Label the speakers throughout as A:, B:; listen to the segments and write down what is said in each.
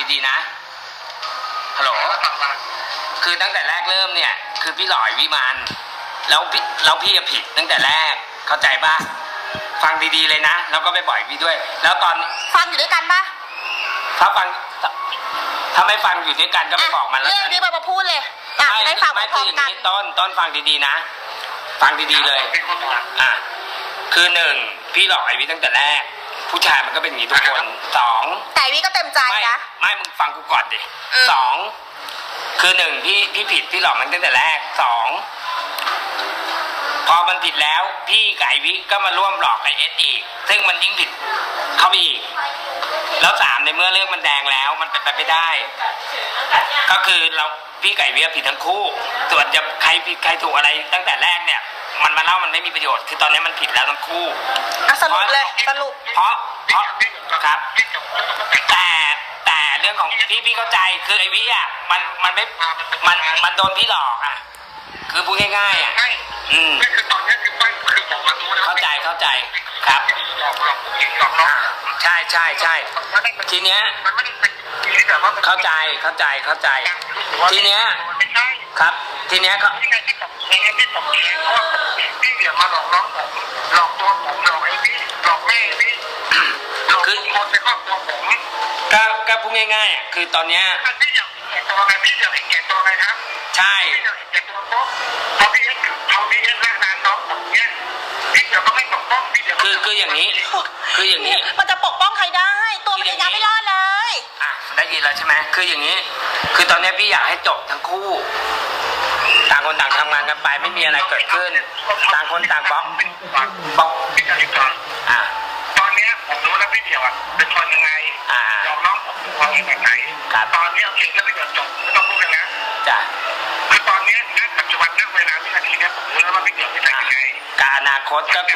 A: ดีๆนะฮัลโหลคือตั้งแต่แรกเริ่มเนี่ยคือพี่หลอยวิมานแล้วพี่ผิดตั้งแต่แรกเข้าใจป่ะฟังดีๆเลยนะแล้วก็ไปบ่อยพี่ด้วยแล้วตอน
B: ฟังอยู่ด้วยกันป่ะ
A: ถ้าไม่ฟังอยู่ด้วยกันก็ไม่บอกมันแล้ว
B: เรื่องนี้มาพูดเลยได้ฟังพร้อมกัน
A: ต้นฟังดีๆนะฟังดีๆเลยคือหนึ่งพี่หลอกไอวิตั้งแต่แรกผู้ชายมันก็เป็นอย่างนี้ทุกคนสอง
B: แต่วิก็เต็มใจนะ
A: ไม่มึงฟังกูก่อนดิสองคือหนึ่งพี่ผิดพี่หลอกมันตั้งแต่แรกสองพอมันผิดแล้วพี่กับไอวิก็มาร่วมหลอกไอเอสอีกซึ่งมันยิ่งผิดเข้าไปอีกแล้วสามในเมื่อเรื่องมันแดงแล้วมันเป็นไปไม่ได้ก็คือพี่ไก่เวียผิดทั้งคู่ส่วนจะใครผิดใครถูกอะไรตั้งแต่แรกเนี่ยมันมาเล่ามันไม่มีประโยชน์คือตอนนี้มันผิดแล้วทั้งคู่
B: สรุปเลยสรุป
A: เพราะครับแต่เรื่องของพี่เข้าใจคือไอวิอ่ะมันโดนพี่หลอกอ่ะคือพูดง่ายๆอ่ะ
C: คือตอนนี้คือไม่คือผมมารู้นะ
A: เข้าใจครับ
C: หลอกผู้หญิงหลอกน้อง
A: ใช่ทีเนี้ยเข้าใจทีเนี้ยครับทีเนี้ยเขา
C: ที่ผมเองเพราะว่าพี่เดี๋ยวมาหลอกน้องผมหลอกตัวผมหลอกไอ้พี่หลอกแม่พี่หลอกคนในครอบครัวผม
A: ก็พูดง่ายๆคือตอนเนี้ย
C: พี่อยากเห็นตัวไงพี่อยากเห็นตัวไงครับ
A: ใช่
C: พี่อยากเห็นตัวปุ๊บพอพี่เอ็กร่างน้องผมเนี้ยพี่เดี๋ยวก็ไม่ปกป้องพี่เดี๋ยว
A: คืออย่างนี้
B: มันจะปกป้องใครได้ตัวมันเองยังไม่รอดเลย
A: ได้ยินแล้วใช่ไหมคืออย่างนี้คือตอนนี้พี่อยากให้จบทั้งคู่ต่างคนต่างทำงานกันไปไม่มีอะไรเกิดขึ้นต่างคนต่างบล็อก
C: พี่จะรีบก่อนตอนนี้ผมรู้แล้วพี่เดียวเป็นคนยังไงยอมน้องผมเขาเป็นแบบไหนตอนนี้โอเคแล้วพี่เดียวจบไม่ต้องพูดกันนะ
A: จ้ะ
C: คือตอนนี้ณปัจจุบันณเวลาวินาทีนี้ผมรู้แล้วว่าพี่เดียวเป็นยังไง
A: การอนาคตก็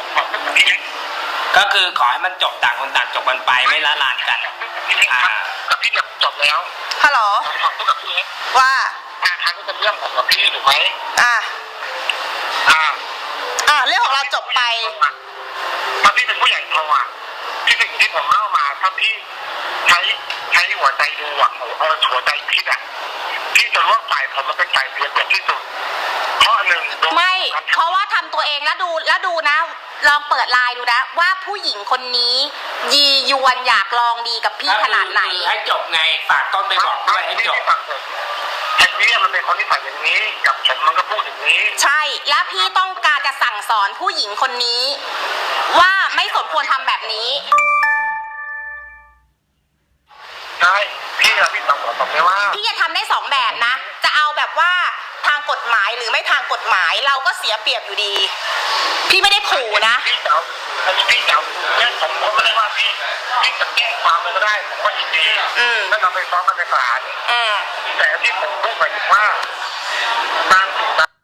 A: คือขอให้มันจบต่างคนต่างจบกันไปไม่ละลานกัน
C: กับพี่เดียวจบแล้ว
B: ฮัลโหล
C: ขอพูดกับพี่
B: ว่า
C: ทางนี้เป็นเรื่องของพี่ถูกไหม
B: เรื่องของเราจบไป
C: ตอนพี่เป็นผู้ใหญ่โตที่สิ่งที่ผมเล่ามาถ้าพี่ใช้หัวใจดูหัวใจคิดพี่จะร่วมฝ่ายผมมันเป็นฝ่ายเสียเปรียบที่สุดข้อหนึ่ง
B: ไม่เพราะว่าทำตัวเองแล้วดูนะลองเปิดไลน์ดูนะว่าผู้หญิงคนนี้ยียวนอยากลองดีกับพี่ขนาดไหน
A: ให้จบไงฝากต้นไปบอกด้วยให้จบ
C: ไอ้นี่มันเป็นคนที่ใส่อย่างนี้กับผมมันก็พูดอย่างนี้
B: ใช่แล้วพี่ต้องการจะสั่งสอนผู้หญิงคนนี้ว่าไม่สมควรทำแบบนี้
C: ใช่พี่ต้องบอกผมว่า
B: พี่จะทำได้สองแบบนะจะเอาแบบว่าทางกฎหมายหรือไม่ทางกฎหมายเราก็เสียเปรียบอยู่ดีพี่ไม่ได้ขู่นะ
C: พี่เจ้าเนี่ยผมก็ไม่ได้ว่าพี่จะแก้ความเลยก็ได้ผมก็ยินดีถ้าเราไปฟ้องกันในศาลแต่ที่ผมพูดหมายถึงว่าบาง